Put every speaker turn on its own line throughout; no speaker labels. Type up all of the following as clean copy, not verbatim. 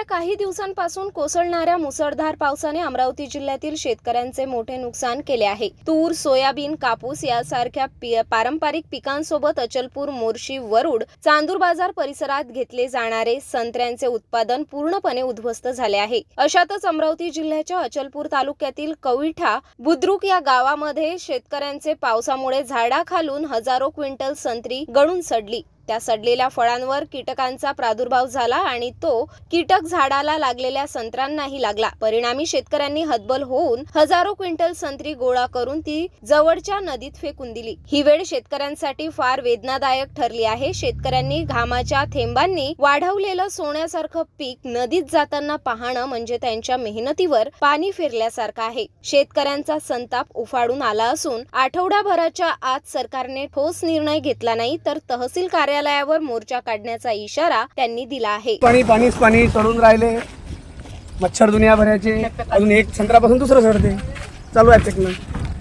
गेल्या काही दिवसांपासून कोसळणाऱ्या मुसळधार पावसाने अमरावती जिल्ह्यातील शेतकऱ्यांचे मोठे नुकसान केले आहे। तूर, सोयाबीन, कापूस यासारख्या पारंपरिक पिकांसोबत अचलपूर, मोर्शी, वरुड, चांदूर बाजार परिसरात घेतले जाणारे संत्र्यांचे उत्पादन पूर्णपणे उद्ध्वस्त झाले आहे। अशातच अमरावती जिल्ह्याच्या अचलपूर तालुक्यातील कविठा बुद्रुक या गावामध्ये शेतकऱ्यांचे पावसामुळे झाडाखालून हजारो क्विंटल संत्री गळून सडली। त्या सडलेल्या फळांवर कीटकांचा प्रादुर्भाव झाला आणि तो कीटक झाडाला लागलेल्या संत्र्यांनाही लागला। परिणामी शेतकऱ्यांनी हतबल होऊन हजारो क्विंटल संत्री गोळा करून ती जवळच्या नदीत फेकून दिली। ही वेळ शेतकऱ्यांसाठी फार वेदनादायक ठरली आहे। शेतकऱ्यांनी घामाच्या थेंबांनी वाढवलेलं सोन्यासारखं पीक नदीत जाताना पाहणं म्हणजे त्यांच्या मेहनतीवर पाणी फिरल्यासारखं आहे। शेतकऱ्यांचा संताप उफाळून आला असून आठवडाभराच्या आत सरकारने ठोस निर्णय घेतला नाही तर तहसील कार्यालयावर मोर्चा काढण्याचा इशारा त्यांनी दिला आहे।
पाणी चढून राहिले, मच्छर दुनिया भरायचे, अजून एक संत्र्यापासून दुसरं चढते, चालू आहे टेक्निक।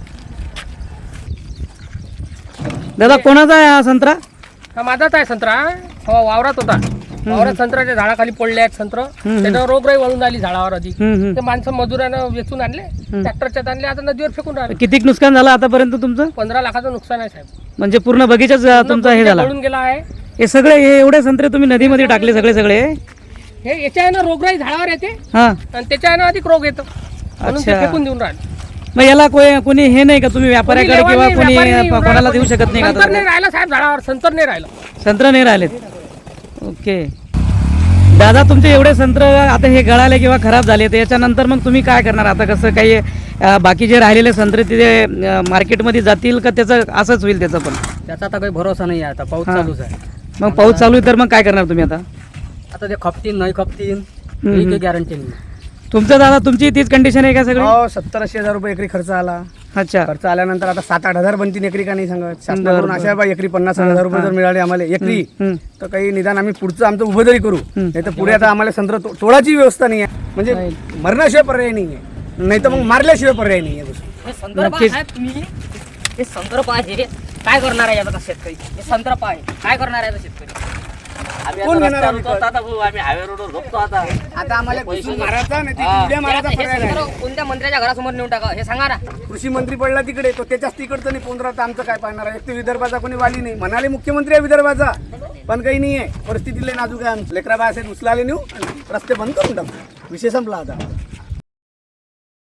दादा कोणाचा आहे हा संत्रा?
हा माझाच आहे संत्रा। वावरात होता, वावरात संत्र्याच्या झाडाखाली पडले आहेत संत्र, त्याच्यावर रोगराई वळून आली झाडावर आधी। ते माणसं मजुरानं वेचून आणले, ट्रॅक्टरच्यात आणले, आता नदीवर फेकून राहिले।
किती नुकसान झालं आतापर्यंत तुमचं?
15 लाखाचं नुकसान आहे साहेब।
म्हणजे पूर्ण बगीचाच तुमचा हे झाला?
पडून गेला आहे।
हे सगळे हे एवढे संत्रे तुम्ही नदीमध्ये टाकले सगळे?
हे याच्यानं रोगराई झाडावर येते
हा,
आणि त्याच्यानं अधिक रोग येतो, म्हणून ते फेकून देऊन राहिले।
मग याला कोणी हे नाही का, तुम्ही व्यापाऱ्याकडे किंवा कोणी कोणाला देऊ शकत नाही का?
संतर नाही राहिला साहेब झाडावर, संतर नाही राहिलं,
संत्र नाही राहिलेत। ओके दादा, तुमचे एवढे संत्र आता हे गळाले किंवा खराब झाले, तर याच्यानंतर मग तुम्ही काय करणार? आता कसं काही बाकी जे राहिलेले संत्रे तिथे मार्केटमध्ये जातील का त्याचं असंच होईल? त्याचं पण
त्याचा आता काही भरोसा नाही आहे। आता पाऊस चालूच आहे।
मग पाऊस चालू आहे तर मग काय करणार तुम्ही आता?
आता ते खपतील नाही खपतील ही काही गॅरंटी नाही।
तुमचं दादा तुमची तीच कंडिशन आहे का सगळी?
हो, 70-80 हजार रुपये एकरी खर्च आला।
अच्छा,
खर्च आल्यानंतर आता 7-8 हजार बनतील एकरी का नाही सांगत। शासनाकडून अशा बा एकरी 50 हजार रुपये जर मिळाले आम्हाला एकरी, तर काही निदान आम्ही पुढचं आमचं उभं तरी करू। नाही तर पुढे आता आम्हाला संत्र तोडाची व्यवस्था नाही आहे, म्हणजे मरण्याशिवाय पर्याय नाही आहे, नाही तर मग मारल्याशिवाय पर्याय नाही आहे।
हे संदर्भ आहे, काय करणार आहे आता शेतकरी? हे संदर्भ आहे, काय करणार आहे शेतकरी?
कोण घेणार आम्ही?
आम्ही हायवे रोडवर झोपतो आता
आम्हाला घुसून मारायचा नाही तर उड्या मारायचा पर्याय नाही।
कोणत्या मंत्र्याच्या घरासमोर नेऊन टाका हे सांगा ना।
कृषी मंत्री पडला तिकडे, तो त्याच्याच तिकडचं नाही पोंद्रा, तर आमचं काय पाहणार आहे? एक तर विदर्भाचा कोणी वाली नाही, म्हणाले मुख्यमंत्री आहे विदर्भाचा, पण काही नाही आहे। परिस्थितीला नाजूक आहे, लेकरा बाय असेल उचलाले नेऊ, रस्ते बंद करून टाकू, विषय संपला आता।